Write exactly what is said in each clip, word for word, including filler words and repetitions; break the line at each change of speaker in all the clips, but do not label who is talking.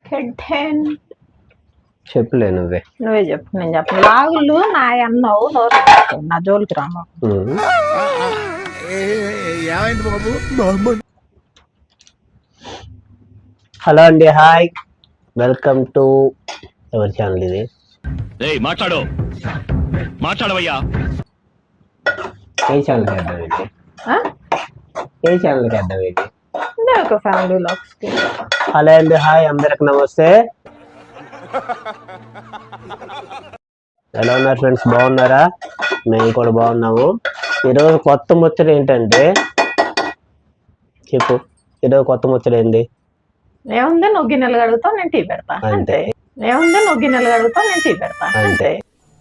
కెడ్డెన్
చెప్పులే నువ్వే
నువ్వే చెప్పు. నేను చెప్పను. లాగులు నా అన్నావు నోరు నా జోలికి రామా.
హలో అండి, హాయ్, వెల్కమ్ టు ఎవరి ఛానల్ ఇది?
మాట్లాడు మాట్లాడవయ్యా.
ఏ ఛానల్కి అడ్డం ఏంటి? ఏ ఛానల్కి అడ్డం ఏంటి?
Family vlogs.
హలో అండి, హాయ్, అందరికి నమస్తే. ఎలా ఉన్నారు ఫ్రెండ్స్? బాగున్నారా? మేము కూడా బాగున్నాము. ఈరోజు కొత్త ముచ్చట ఏంటంటే చెప్పు. ఈరోజు కొత్త ముచ్చట ఏంది?
ఏముంది, నువ్వు గిన్నెలు కడుగుతావు, నేను టీ పెడతా అంతే. ఏముంది, నువ్వు గిన్నెలు కడుగుతావు, నేను టీ పెడతా అంతే.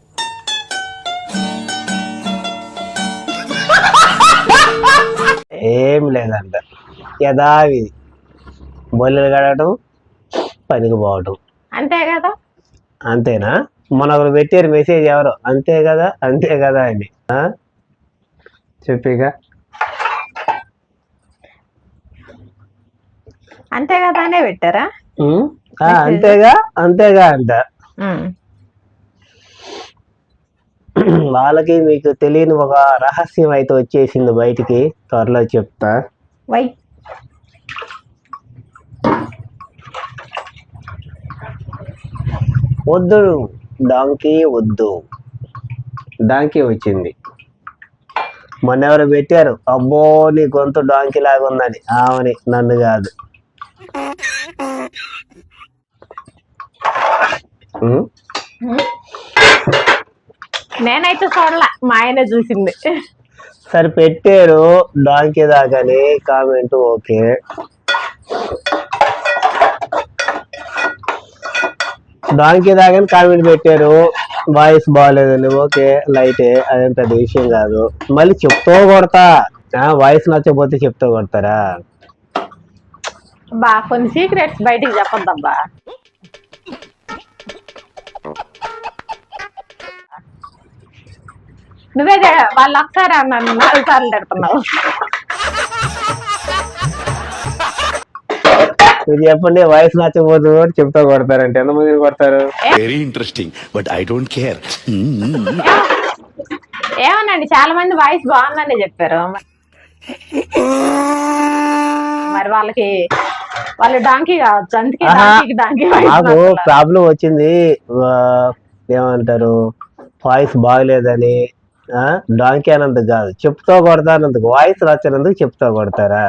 ఏం లేదంట, యథావి బొల్లెలు కడగటం, పనికి పోవటం,
అంతే కదా.
అంతేనా? మన ఒకరు పెట్టారు మెసేజ్ ఎవరో, అంతే కదా అంతే కదా అని. చెప్పిగా
అంతే కదా అనే పెట్టారా?
అంతేగా అంతేగా అంట. వాళ్ళకి మీకు తెలియని ఒక రహస్యం అయితే వచ్చేసింది బయటికి, త్వరలో చెప్తా.
వై
వద్దు డాంకీ వద్దు, డాంకీ వచ్చింది. మొన్న ఎవరు పెట్టారు, అబ్బో నీ గొంతు డాంకీ లాగా ఉందని. ఆమెని, నన్ను కాదు.
నేనైతే చూడలే, మా ఆయన చూసింది.
సరే పెట్టారు డాంకీ దాకాని కామెంట్, ఓకే. డాంకీ దాకాని కామెంట్ పెట్టారు, వాయిస్ బాగాలేదని, ఓకే లైటే, అదేం పెద్ద విషయం కాదు. మళ్ళీ చెప్తూ కొడతా, వాయిస్ నచ్చకపోతే చెప్తూ కొడతారా?
బా కొన్ని సీక్రెట్స్ బయటికి చెప్పొద్దబ్బా. నువ్వే వాళ్ళు ఒకసారి అన్నాను, నాలుగు సార్లు తిడుతున్నావు.
మీరు చెప్పండి, వాయిస్ నచ్చకపోతే చెప్తా కొడతారంటే ఎంతమంది కొడతారు?
Very interesting, but I don't care.
ఏమోనండి, చాలా మంది వాయిస్ బాగుందని చెప్పారు. మరి వాళ్ళకి వాళ్ళు డాంకీ కావచ్చు, అందుకే డాంకీ.
నాకు ప్రాబ్లం వచ్చింది, ఏమంటారు, వాయిస్ బాగలేదని. డాంకీ అన్నందుకు కాదు, చెప్తా కొడతానందుకు. వాయిస్ నచ్చినందుకు చెప్తా కొడతారా?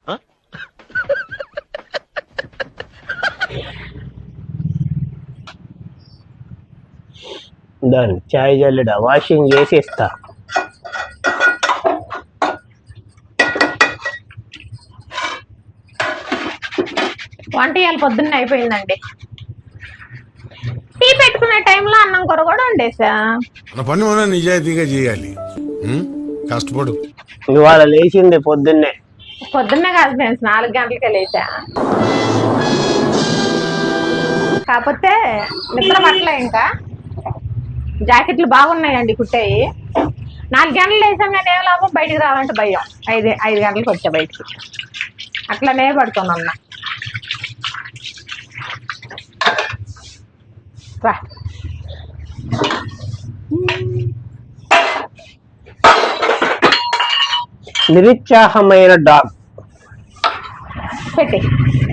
దాన్ని చాయ్ జల్లిడా వాషింగ్ చేసి ఇస్తా.
వంట ఇవాళ పొద్దున్న అయిపోయిందండి. టీ పెట్టుకునే టైంలో అన్నం కూర కూడా వండేసా.
పని మనం నిజాయితీగా చేయాలి, కష్టపడు.
ఇవాళ లేచింది పొద్దున్నే.
పొద్దున్నే కాదు ఫ్రెండ్స్, నాలుగు గంటలకే లేచా. కాకపోతే నిద్ర పట్టలే. ఇంకా జాకెట్లు బాగున్నాయండి కుట్టాయి. నాలుగు గంటలు లేసాం కానీ ఏం లాభం, బయటికి రావాలంటే భయం. ఐదు ఐదు గంటలకు వచ్చా బయటికి, అట్లనే పడుతున్నా. రా
నిరుత్సాహమైన డాగ్
పెట్టి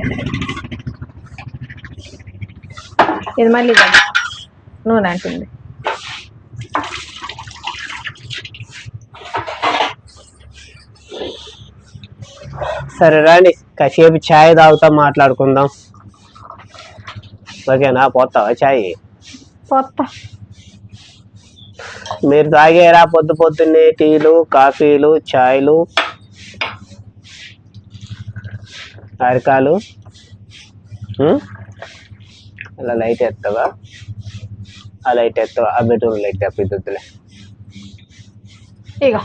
ఇది మళ్ళీ నూనె అంటుంది.
సరే రాండి, కాసేపు ఛాయ్ తాగుతా, మాట్లాడుకుందాం. ఓకేనా? పోతావా ఛాయ్?
పోతా.
మీరు తాగేరా పొద్దు పొద్దున్నే టీలు, కాఫీలు, ఛాయ్లు, అరకాలు? అలా లైట్ ఎత్తావా? ఆ లైట్ ఎత్తావా? ఆ బెడ్రూమ్ లైట్ తప్పిద్దులే.
ఇక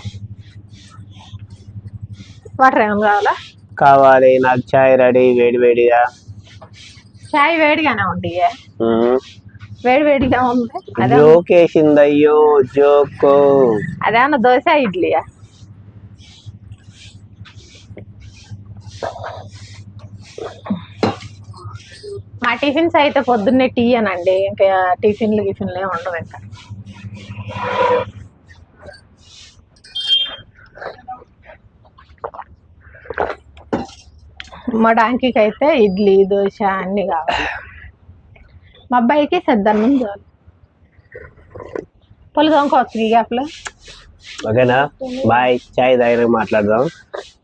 వాటర్ ఏమైనా కావాలా?
కావాలి, నాకు ఛాయ్ రెడీ, వేడి వేడిగా.
ఛాయ్ వేడిగానే ఉంది, వేడి వేడిగా ఉంది.
జోకేసింది, అయ్యో జోకో.
అదేమన్నా దోశ ఇడ్లీయా? మా టిఫిన్స్ అయితే పొద్దున్నే టీ అనండి, ఇంకా టిఫిన్లు గిఫిన్లు ఏమి ఉండవు ఇంకా. మా డాంకీకి అయితే ఇడ్లీ దోశ అన్నీ కావాలి. మా అబ్బాయికి సద్దన్నం చాలు. పొలి తోముకోవచ్చు ఈ గ్యాప్లో.
ఓకేనా, బాయ్. చాయ్ దగ్గర మాట్లాడదాం.